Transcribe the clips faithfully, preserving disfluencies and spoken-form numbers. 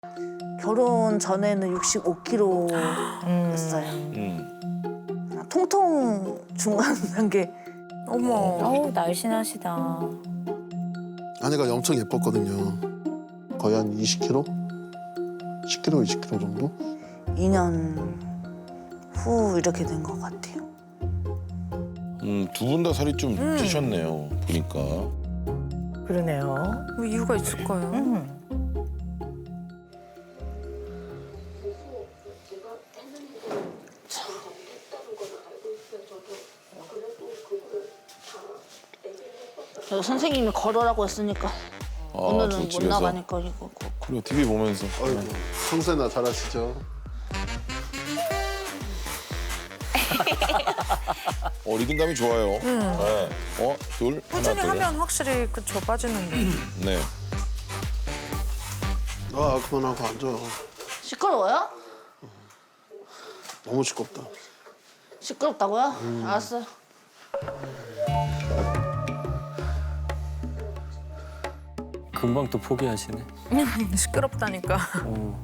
결혼 전에는 육십오 킬로그램이었어요. 음. 통통 중간 단계. 어머. 어우, 날씬하시다. 아내가 엄청 예뻤거든요. 거의 한 이십 킬로그램? 십 킬로그램, 이십 킬로그램 정도? 이 년 후 이렇게 된 것 같아요. 음, 두 분 다 살이 좀 찌셨네요. 보니까. 그러네요. 뭐 이유가 있을까요? 음. 그래서 선생님이 걸으라고 했으니까 아, 오늘은 저 못 집에서. 나가니까 이거 꼭. 그리고 티비 보면서. 아이고, 평소에나 잘하시죠? 어, 리듬감이 좋아요. 네. 어, 둘, 하나, 꾸준히 둘. 하면 확실히 그쵸 빠지는데. 네. 아, 그만하고 앉아. 시끄러워요? 너무 시끄럽다. 시끄럽다고요? 알았어요. 금방 또 포기하시네. 시끄럽다니까. 어.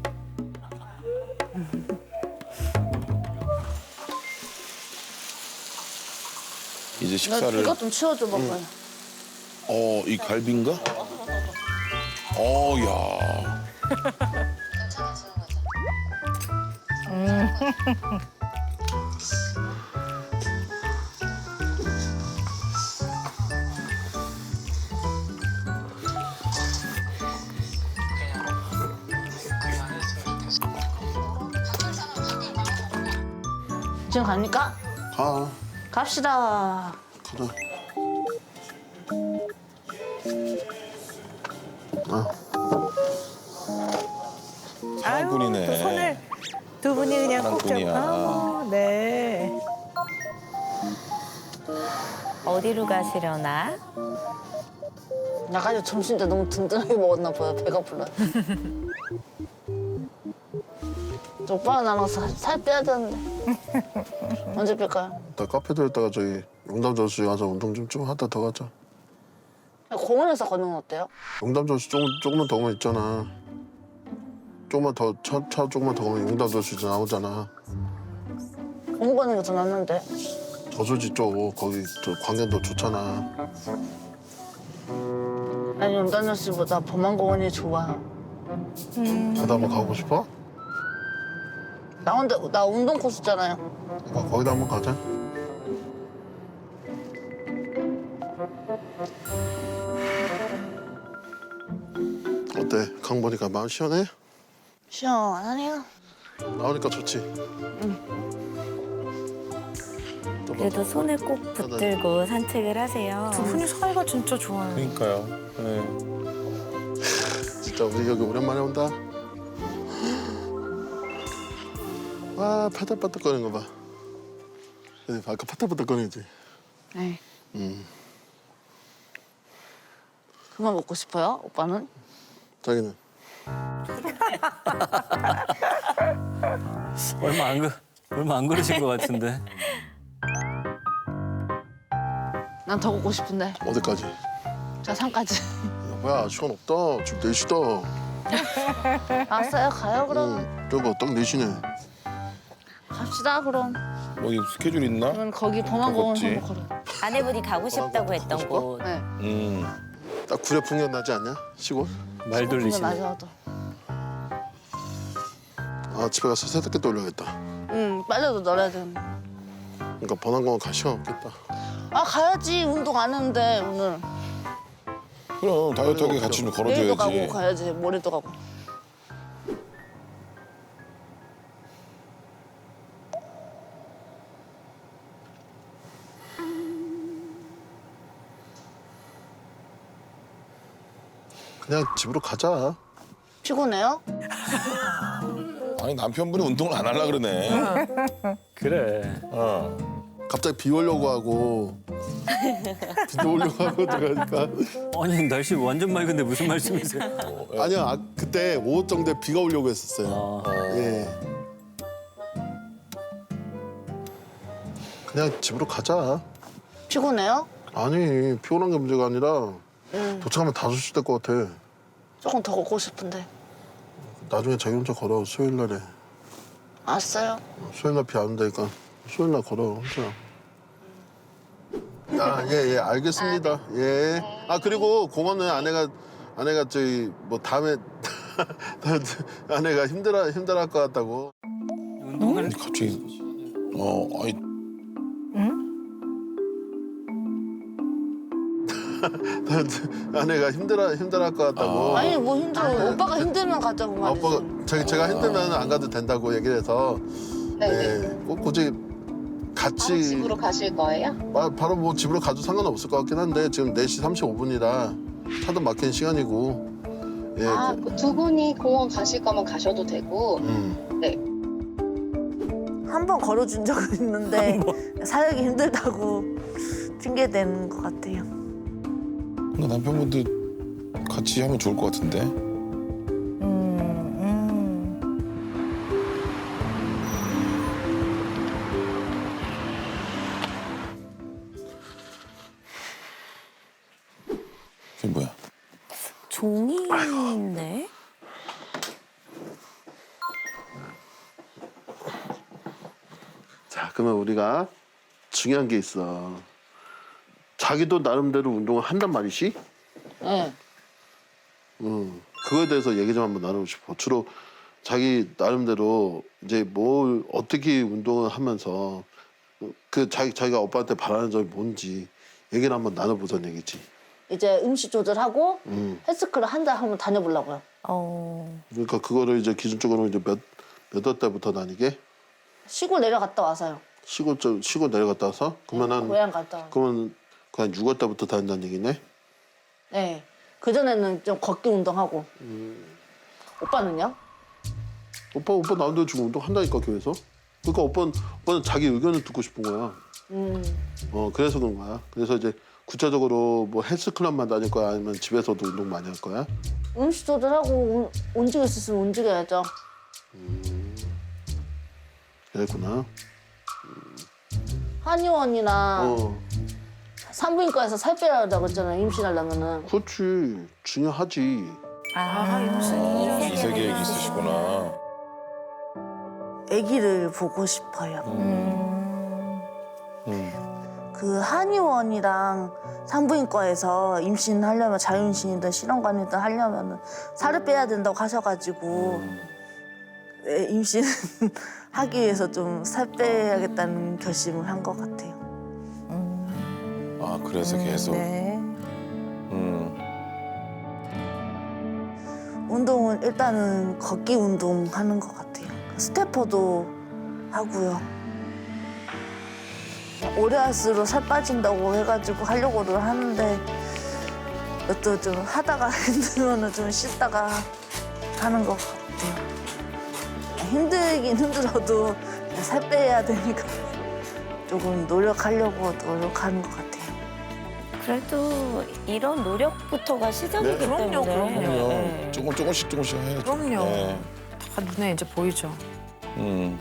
이제 나 식사를. 이것 좀 치워줘 봐봐요. 어, 이 갈비인가? 어, 야. 지금 갑니까? 가. 갑시다. 가자. 아, 한 분이네. 또 손을 두 분이 그냥 꼭 잡고. 사랑꾼이야. 아, 네. 어디로 가시려나? 나까지 점심 때 너무 든든하게 먹었나 봐요. 배가 불러요. 저 오빠랑 나랑 살, 살 빼야 되는데. 언제 뺄까요? 나 카페 들었다가 저기 용담저수 가서 운동 좀 좀 하다 더 가자. 공원에서 걷는 건 어때요? 용담저수 조금, 조금만 더 가면 있잖아. 조금만 더, 차, 차 조금만 더 가면 용담저수 이제 나오잖아. 공원 걷는 게 더 낫는데. 저수지 쪽, 거기 저 광경도 좋잖아. 아니 연단열 씨보다 범안공원이 좋아. 나도 한번 가고 싶어? 나 혼자 나 운동 코스잖아요. 거- 거기다 한번 가자. 어때? 강 보니까 마음 시원해? 시원하네요. 나오니까 좋지. 또 봐. 그래도 손을 꼭 붙들고 산책을 하세요. 두 분이 사이가 진짜 좋아요. 그러니까요. 네. 진짜 우리 여기 오랜만에 온다. 와, 파닥파닥거리는 거 봐. 그지? 아까 파닥파닥거리지? 네. 음, 그만 먹고 싶어요? 오빠는? 자기는? 얼마 안 그, 얼마 안 그러신 것 같은데. 난 더 걷고 싶은데. 어디까지? 자 산까지. 뭐야, 시간 없다. 지금 네 시다. 알았어요. 가요 그럼. 응, 저거 딱 네 시네. 갑시다 그럼. 뭐 이 스케줄 있나? 그럼 거기 범안공원 걷지. 한번 걸어. 아내분이 가고 싶다고 했던 싶어? 곳. 네. 음. 딱 구례 풍경 나지 않냐? 시골? 말 돌리시네. 맞아. 아, 집에 가서 세탁기 돌려야겠다. 응 빨래도 널어야 되는데. 그러니까 번안공원 갈 시간 없겠다. 아 가야지. 운동 안 했는데 오늘. 그럼 다이어트하게 같이 좀 내일도 가고 걸어줘야지. 가야지. 모레도 가고. 그냥 집으로 가자. 피곤해요? 아니 남편분이 운동을 안 하려 그러네. 그래. 어. 갑자기 비 오려고 하고 비도 오려고 하고 들어가니까 아니 날씨 완전 맑은데 무슨 말씀이세요? 아니야 아, 그때 오후 정도에 비가 오려고 했었어요. 아, 예. 그냥 집으로 가자. 피곤해요? 아니 피곤한 게 문제가 아니라 응. 도착하면 다섯 시 될 것 같아. 조금 더 걷고 싶은데. 나중에 자기 혼자 걸어 수요일 날에. 알았어요. 수요일 날 비 안 온다니까 수요일 날 걸어 혼자. 아예예 예, 알겠습니다. 예. 아 그리고 공원은 아내가 아내가 저기 뭐 다음에 아내가 힘들어 힘들어할 것 같다고. 운동을 갑자기 어 아이 아내가 힘들어 힘들어할 것 같다고. 아니 뭐 힘들어. 오빠가 힘들면 가자고 아, 말이지. 오빠가 제가, 제가 힘들면 안 가도 된다고 얘기를 해서 네네. 예, 꼭 굳이 같이 바로 집으로 가실 거예요? 바, 바로 뭐 집으로 가도 상관없을 것 같긴 한데 지금 네 시 삼십오 분이라 차도 막힌 시간이고 예, 아, 그- 그두 분이 공원 가실 거면 가셔도 되고. 음. 네. 한 번 걸어준 적은 있는데 사역이 힘들다고 핑계 대는 것 같아요. 그러니까 남편분도 같이 하면 좋을 것 같은데. 음, 음. 그게 뭐야? 종이인데? 자 그러면 우리가 중요한 게 있어. 자기도 나름대로 운동을 한단 말이지? 네. 음, 그거에 대해서 얘기 좀 한번 나누고 싶어. 주로 자기 나름대로 이제 뭘 어떻게 운동을 하면서 그 자기 자기가 오빠한테 바라는 점이 뭔지 얘기를 한번 나눠보자는 얘기지. 이제 음식 조절하고 음, 헬스클럽 한 달 한번 다녀보려고요. 어. 그러니까 그거를 이제 기준적으로 이제 몇 몇 월 때부터 다니게 시골 내려갔다 와서요. 시골 쪽 시골 내려갔다 와서 그러면 한 고향 갔다 와. 그러면 그한 육 월 때부터 다닌다는 얘기네. 네. 그 전에는 좀 걷기 운동하고. 오빠는요? 오빠 오빠 나름대로 지금 운동 한다니까 교회에서. 그러니까 오빠는 오빠는 자기 의견을 듣고 싶은 거야. 음. 어 그래서 그런 거야. 그래서 이제 구체적으로 뭐 헬스클럽만 다닐 거야 아니면 집에서도 운동 많이 할 거야? 음식 조절하고 움- 움직일 수 있으면 움직여야죠. 그랬구나. 한의원이나 어 산부인과에서 살 빼라고 했잖아요. 임신하려면은. 그렇지 중요하지. 아, 이 이세 계획이 있으시구나. 아기를 보고 싶어요. 음. 음. 그 한의원이랑 산부인과에서 임신하려면 자유임신이든 실험관이든 하려면 살을 빼야 된다고 하셔가지고 네, 임신 하기 위해서 좀 살 빼야겠다는 결심을 한 것 같아요. 아 그래서 계속. 네. 음. 운동은 일단은 걷기 운동 하는 것 같아요. 스태퍼도 하고요. 오래 할수록 살 빠진다고 해가지고 하려고는 하는데 또 좀 하다가 힘들면은 좀 쉬다가 하는 것 같아요. 힘들긴 힘들어도 살 빼야 되니까 조금 노력하려고 노력하는 것 같아요. 그래도 이런 노력부터가 시작이기 네. 그럼요, 때문에. 그럼요. 네. 조금 조금씩 조금씩 해야죠. 그럼요. 네. 다 눈에 이제 보이죠. 음.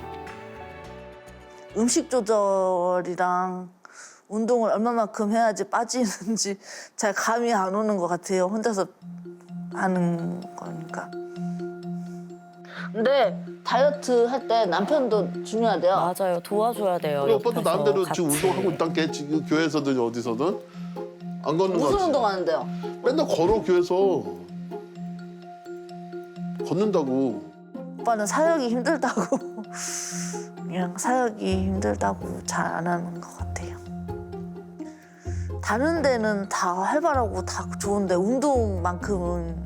음식 조절이랑 운동을 얼마만큼 해야지 빠지는지 잘 감이 안 오는 것 같아요. 혼자서 하는 거니까. 근데 다이어트 할 때 남편도 중요하대요. 맞아요. 도와줘야 돼요. 우리 오빠도 옆에서 나름대로 같이. 지금 운동하고 있단 게 지금 교회에서든 어디서든 안 걷는 거 무슨 같지? 운동하는데요? 맨날 걸어 교회에서 걷는다고. 오빠는 사역이 힘들다고 그냥 사역이 힘들다고 잘 안 하는 것 같아요. 다른 데는 다 활발하고 다 좋은데 운동만큼은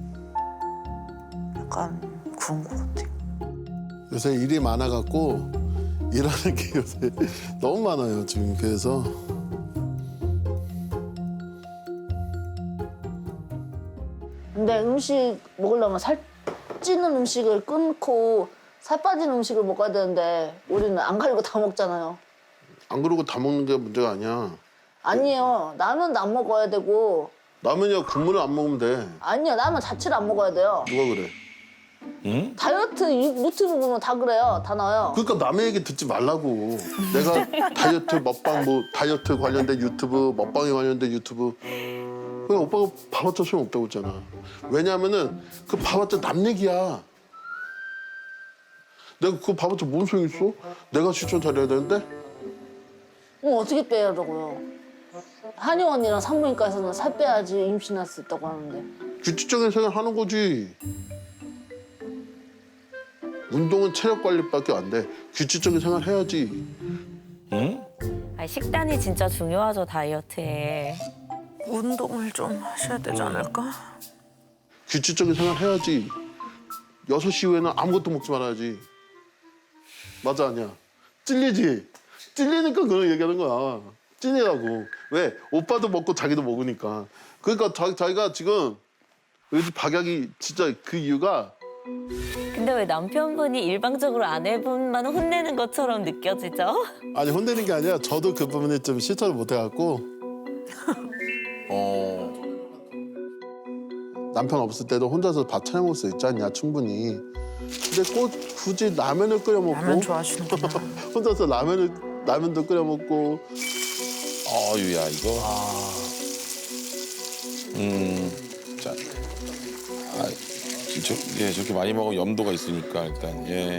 약간 그런 것 같아요. 요새 일이 많아갖고 일하는 게 요새 너무 많아요 지금 교회에서. 근데 음식 먹으려면 살 찌는 음식을 끊고 살 빠진 음식을 먹어야 되는데 우리는 안 가리고 다 먹잖아요. 안 그러고 다 먹는 게 문제가 아니야. 아니에요. 라면도 안 먹어야 되고 라면이야 국물을 안 먹으면 돼. 아니요. 라면 자체를 안 먹어야 돼요. 누가 그래? 응? 다이어트 유- 유튜브 보면 다 그래요. 다 나와요. 그러니까 남의 얘기 듣지 말라고. 내가 다이어트 먹방 뭐 다이어트 관련된 유튜브 먹방에 관련된 유튜브. 그냥 오빠가 봐봤자 소용없다고 했잖아. 왜냐하면은 그 봐봤자 남 얘기야. 내가 그거 봐봤자 뭔 소용 있어? 내가 실천 잘해야 되는데? 어, 어떻게 빼라고요? 한의원이랑 산부인과에서는 살 빼야지 임신할 수 있다고 하는데. 규칙적인 생활 하는 거지. 운동은 체력 관리밖에 안 돼. 규칙적인 생활 해야지. 응? 아니, 식단이 진짜 중요하죠, 다이어트에. 운동을 좀 하셔야 되지 않을까? 규칙적인 생활 해야지. 여섯 시 이후에는 아무것도 먹지 말아야지. 맞아, 아니야? 찔리지? 찔리니까 그런 얘기하는 거야. 찔리라고. 왜? 오빠도 먹고 자기도 먹으니까. 그러니까 자, 자기가 지금 요즘 박약이 진짜 그 이유가 근데 왜 남편분이 일방적으로 아내분만 혼내는 것처럼 느껴지죠? 아니 혼내는 게 아니라 저도 그 부분에 좀 실천을 못 해갖고 어. 남편 없을 때도 혼자서 밥 차려 먹을 수 있지 않냐 충분히. 근데 꼭 굳이 라면을 끓여 먹고 라면 좋아하시는구나. 혼자서 라면을 라면도 끓여 먹고 어유야 이거. 음. 자. 아, 저, 예, 저렇게 많이 먹으면 염도가 있으니까 일단 예.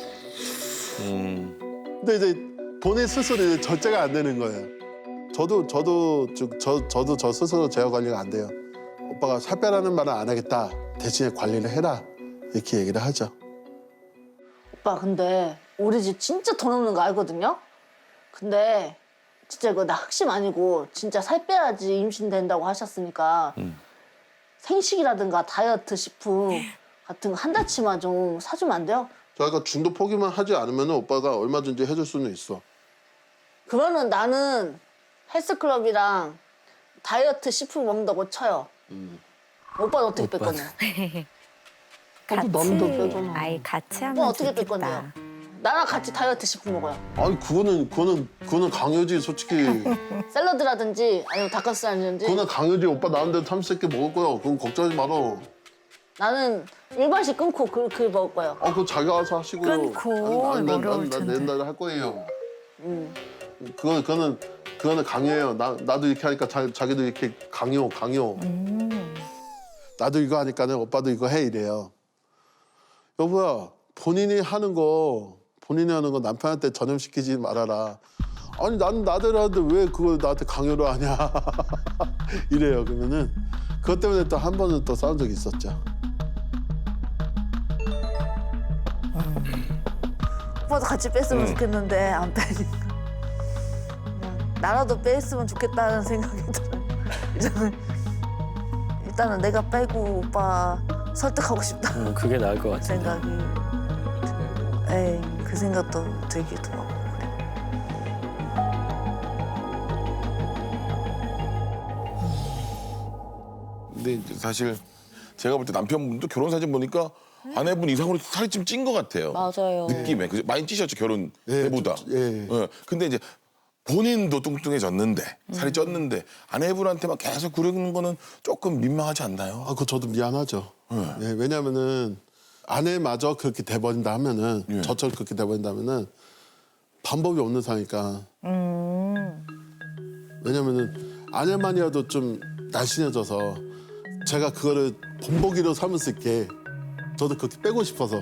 음. 근데 이제 본인 스스로 이제 절제가 안 되는 거예요. 저도 저도 저, 저 저도 저 스스로 제어 관리가 안 돼요. 오빠가 살 빼라는 말은 안 하겠다. 대신에 관리를 해라 이렇게 얘기를 하죠. 오빠 근데 우리 집 진짜 돈 없는 거 알거든요? 근데 진짜 이거 나 확신 아니고 진짜 살 빼야지 임신된다고 하셨으니까 음. 생식이라든가 다이어트 식품 같은 거 한 달치만 좀 사주면 안 돼요? 저희가 중도 포기만 하지 않으면 오빠가 얼마든지 해줄 수는 있어. 그러면 나는 헬스클럽이랑 다이어트 식품 먹는다고 쳐요. 음. 오빠는 어떻게 뺄 오빠. 거냐? 나도 남도 빼잖아. 아이, 같이 하면 오빠 어떻게 뺄 좋겠다. 건데요? 나랑 같이 다이어트 식품 먹어요. 아니 그거는 그거는 그거는 강요지 솔직히. 샐러드라든지 아니면 닭가슴살이든지 그거는 강요지. 오빠 나온데 삼십 개 먹을 거야. 그건 걱정하지 마라. 나는 일반식 끊고 그, 그 먹을 거예요. 아 그거 자기가 알아서 하시고. 끊고 난, 난, 어려울 난, 난, 텐데. 내 옛날에 할 거예요. 음. 그건 그거는 그거는 강요예요. 나 나도 이렇게 하니까 자, 자기도 이렇게 강요 강요. 나도 이거 하니까는 오빠도 이거 해 이래요. 여보야 본인이 하는 거 본인이 하는 거 남편한테 전염시키지 말아라. 아니 나는 나대로 하는데 왜 그걸 나한테 강요를 하냐 이래요. 그러면은 그것 때문에 또 한 번은 또 싸운 적이 있었죠. 오빠도 같이 뺐으면 응. 좋겠는데 안 빼니까. 그냥 나라도 뺐으면 좋겠다는 생각이 들어요. 저는 일단은 내가 빼고 오빠 설득하고 싶다 음, 그게 나을 것 같은데. 생각이. 에이 그 생각도 들기도 하고 그래. 근데 이제 사실 제가 볼 때 남편분도 결혼 사진 보니까 아내분 이상으로 살이 좀 찐 것 같아요. 맞아요. 느낌에 그죠? 많이 찌셨죠 결혼 때보다. 좀, 예. 예. 근데 이제 본인도 뚱뚱해졌는데 살이 쪘는데 아내분한테만 계속 그러는 거는 조금 민망하지 않나요? 아 그거 저도 미안하죠. 예, 왜냐면은 아내마저 그렇게 돼버린다 하면은 예. 저처럼 그렇게 돼버린다면은 방법이 없는 상이니까. 왜냐면은 아내만이라도 좀 날씬해져서 제가 그거를 본보기로 삼을 수 있게 저도 그렇게 빼고 싶어서.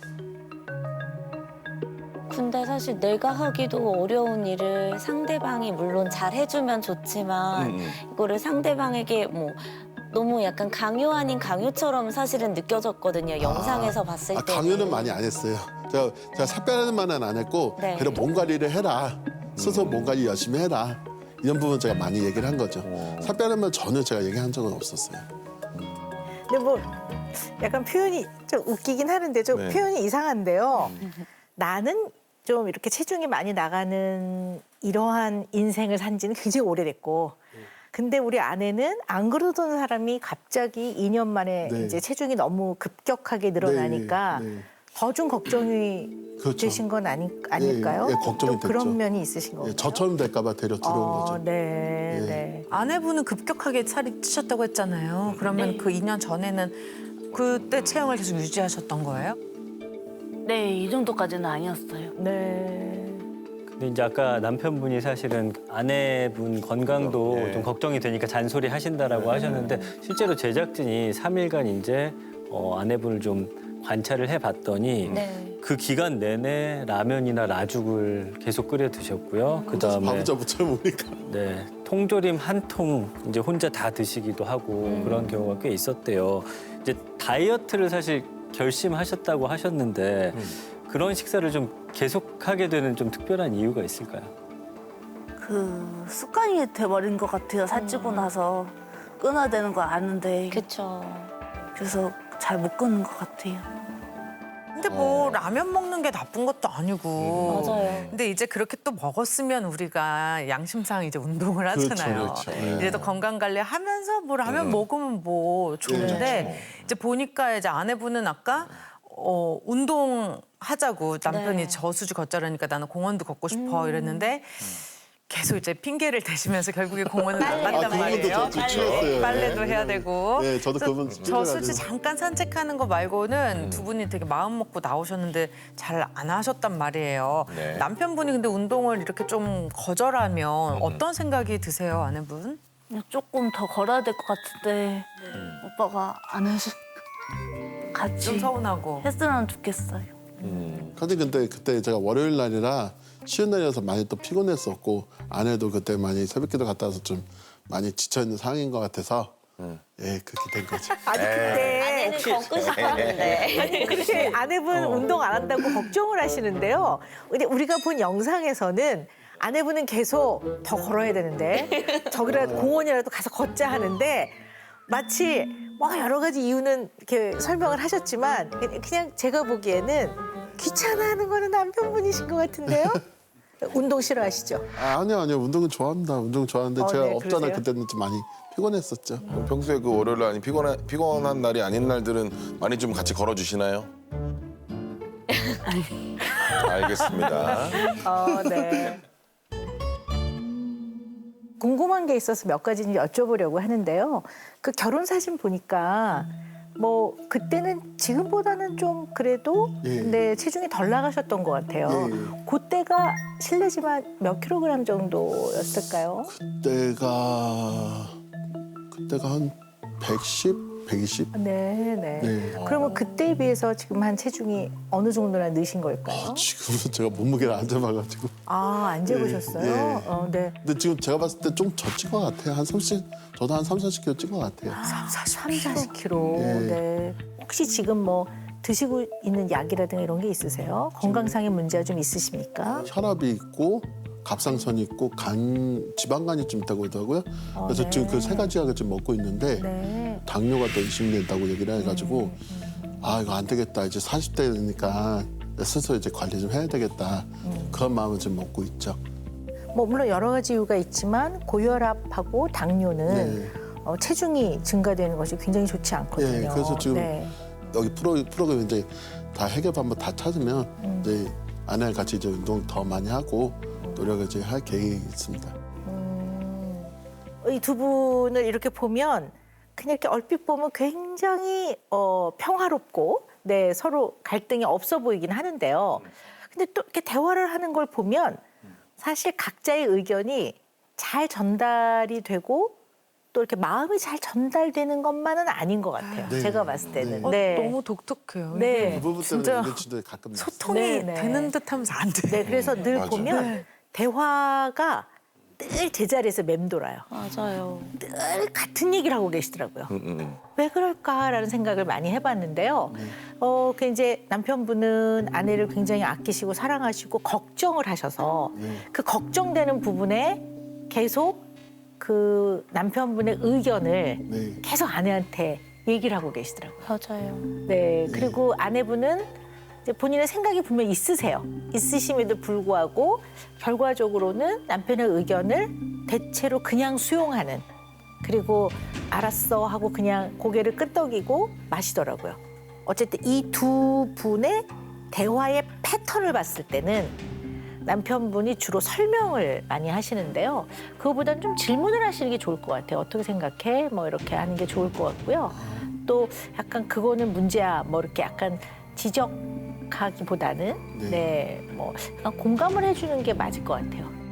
근데 사실 내가 하기도 어려운 일을 상대방이 물론 잘 해주면 좋지만 음, 음. 이거를 상대방에게 뭐 너무 약간 강요 아닌 강요처럼 사실은 느껴졌거든요. 영상에서 봤을 아, 때. 강요는 많이 안 했어요. 제가, 제가 살 빼라는 말은 안 했고 네. 그래 몸 관리를 해라. 스스로 몸 관리 열심히 해라. 이런 부분 제가 많이 얘기를 한 거죠. 살 빼라는 말 전혀 제가 얘기한 적은 없었어요. 근데 뭐 약간 표현이 좀 웃기긴 하는데 좀 네. 표현이 이상한데요. 나는 좀 이렇게 체중이 많이 나가는 이러한 인생을 산 지는 굉장히 오래됐고 근데 우리 아내는 안 그러던 사람이 갑자기 이 년 만에 네. 이제 체중이 너무 급격하게 늘어나니까 네, 네. 더 좀 걱정이 그렇죠. 되신 건 아니, 아닐까요? 예, 예, 걱정이 또 그런 됐죠. 면이 있으신 거예요. 예, 저처럼 될까 봐 데려 들어온 어, 거죠. 네, 예. 네. 아내분은 급격하게 살이 찌셨다고 했잖아요. 그러면 그 이 년 전에는 그때 체형을 계속 유지하셨던 거예요? 네, 이 정도까지는 아니었어요. 네. 근데 이제 아까 남편분이 사실은 아내분 건강도 예. 좀 걱정이 되니까 잔소리 하신다라고 하셨는데 실제로 제작진이 삼 일간 이제 어, 아내분을 좀 관찰을 해봤더니 네. 그 기간 내내 라면이나 라죽을 계속 끓여 드셨고요. 그 다음에 밥자 못 참으니까. 네, 통조림 한 통 이제 혼자 다 드시기도 하고 그런 경우가 꽤 있었대요. 이제 다이어트를 사실 결심하셨다고 하셨는데 그런 식사를 좀 계속하게 되는 좀 특별한 이유가 있을까요? 그 습관이 돼버린 것 같아요. 살찌고 나서 끊어야 되는 거 아는데 그쵸. 그래서 잘 못 끊는 것 같아요. 근데 뭐 라면 먹는 게 나쁜 것도 아니고. 맞아요. 근데 이제 그렇게 또 먹었으면 우리가 양심상 이제 운동을 하잖아요. 그렇죠, 그렇죠. 이제 또 건강 관리 하면서 뭐 라면 먹으면 뭐 좋은데 이제 보니까 이제 아내분은 아까 어, 운동 하자고 남편이 네. 저수지 걷자라니까 나는 공원도 걷고 싶어 이랬는데 계속 이제 핑계를 대시면서 결국에 공원을 아, 나간단 그분도 말이에요. 저 좋았어요. 빨래도 해야 되고. 네, 저도 그래서 그분 저수지 잠깐 산책하는 거 말고는 음. 두 분이 되게 마음 먹고 나오셨는데 잘 안 하셨단 말이에요. 네. 남편분이 근데 운동을 이렇게 좀 음. 거절하면 어떤 생각이 드세요, 아내분? 그냥 조금 더 걸어야 될 것 같은데 오빠가 안 해서 좀 같이 서운하고. 했으면 좋겠어요. 사실 근데 그때 제가 월요일 날이라 쉬는 날이어서 많이 또 피곤했었고 아내도 그때 많이 새벽기도 갔다 와서 좀 많이 지쳐있는 상황인 것 같아서 예 그렇게 된 거죠. 아니 근데 아내는 걷고 싶었는데. 아니 근데 아내분 운동 안 한다고 걱정을 하시는데요. 근데 우리가 본 영상에서는 아내분은 계속 더 걸어야 되는데 저기라도 공원이라도 가서 걷자 하는데 마치 뭐 여러 가지 이유는 이렇게 설명을 하셨지만 그냥 제가 보기에는 귀찮아하는 거는 남편분이신 것 같은데요. 운동 싫어하시죠? 아, 아니요 아니요 운동은 좋아합니다. 운동 좋아하는데 어, 제가 네, 없잖아요. 그러세요? 그때는 좀 많이 피곤했었죠. 그럼 평소에 그 월요일 아니 피곤한 피곤한 날이 아닌 날들은 많이 좀 같이 걸어주시나요? 알겠습니다. 어, 네. 궁금한 게 있어서 몇 가지 좀 여쭤보려고 하는데요. 그 결혼 사진 보니까 뭐 그때는 지금보다는 좀 그래도 예. 네, 체중이 덜 나가셨던 것 같아요. 예. 그때가 실례지만 몇 킬로그램 정도였을까요? 그때가 그때가 한 백십, 백이십. 네, 네. 네. 그러면 그때에 비해서 지금 한 체중이 어느 정도나 느신 걸까요? 아, 지금은 제가 몸무게를 안 재봐가지고. 아, 안 재보셨어요? 예. 어, 네. 근데 지금 제가 봤을 때 좀 더 찐 것 같아요. 한 삼십, 저도 한 삼, 사십 킬로 찐 것 같아요. 삼, 사십 킬로. 예. 네. 혹시 지금 뭐 드시고 있는 약이라든가 이런 게 있으세요? 건강상의 문제가 좀 있으십니까? 혈압이 있고 갑상선이 있고 간 지방간이 좀 있다고 하더라고요. 어, 그래서 네. 지금 그 세 가지 약을 지금 먹고 있는데 네. 당뇨가 또 의심된다고 얘기를 해가지고 음, 아 이거 안 되겠다 이제 사십 대니까 스스로 이제 관리 좀 해야 되겠다 음. 그런 마음을 지금 먹고 있죠. 뭐 물론 여러 가지 이유가 있지만 고혈압하고 당뇨는 네. 어, 체중이 증가되는 것이 굉장히 좋지 않거든요. 네, 그래서 지금 네. 여기 프로 프로그램 이제 다 해결 방법 다 찾으면 음. 이제 아내랑 같이 이제 운동 더 많이 하고 노력을 이제 할 계획이 있습니다. 음, 이 두 분을 이렇게 보면 그냥 이렇게 얼핏 보면 굉장히 어, 평화롭고 네, 서로 갈등이 없어 보이긴 하는데요. 근데 또 이렇게 대화를 하는 걸 보면 사실 각자의 의견이 잘 전달이 되고 또 이렇게 마음이 잘 전달되는 것만은 아닌 것 같아요. 네. 제가 봤을 때는. 네. 어, 네. 너무 독특해요. 네. 이게 그 부분 때문에 진짜 이게 진짜 가끔 나요. 소통이 네, 네. 되는 듯하면서 안 돼. 네, 그래서 늘 맞아요. 보면 대화가 늘 제자리에서 맴돌아요. 맞아요. 늘 같은 얘기를 하고 계시더라고요. 음, 음, 음. 왜 그럴까라는 생각을 많이 해봤는데요. 어, 그 이제 남편분은 아내를 굉장히 아끼시고 사랑하시고 걱정을 하셔서 그 걱정되는 부분에 계속 그 남편분의 의견을 네. 계속 아내한테 얘기를 하고 계시더라고요. 맞아요. 네, 그리고 아내분은 이제 본인의 생각이 분명 있으세요. 있으심에도 불구하고 결과적으로는 남편의 의견을 대체로 그냥 수용하는 그리고 알았어 하고 그냥 고개를 끄덕이고 마시더라고요. 어쨌든 이 두 분의 대화의 패턴을 봤을 때는 남편분이 주로 설명을 많이 하시는데요. 그거보다는 좀 질문을 하시는 게 좋을 것 같아요. 어떻게 생각해? 뭐 이렇게 하는 게 좋을 것 같고요. 또 약간 그거는 문제야. 뭐 이렇게 약간 지적하기보다는 네. 네, 뭐 그냥 공감을 해주는 게 맞을 것 같아요.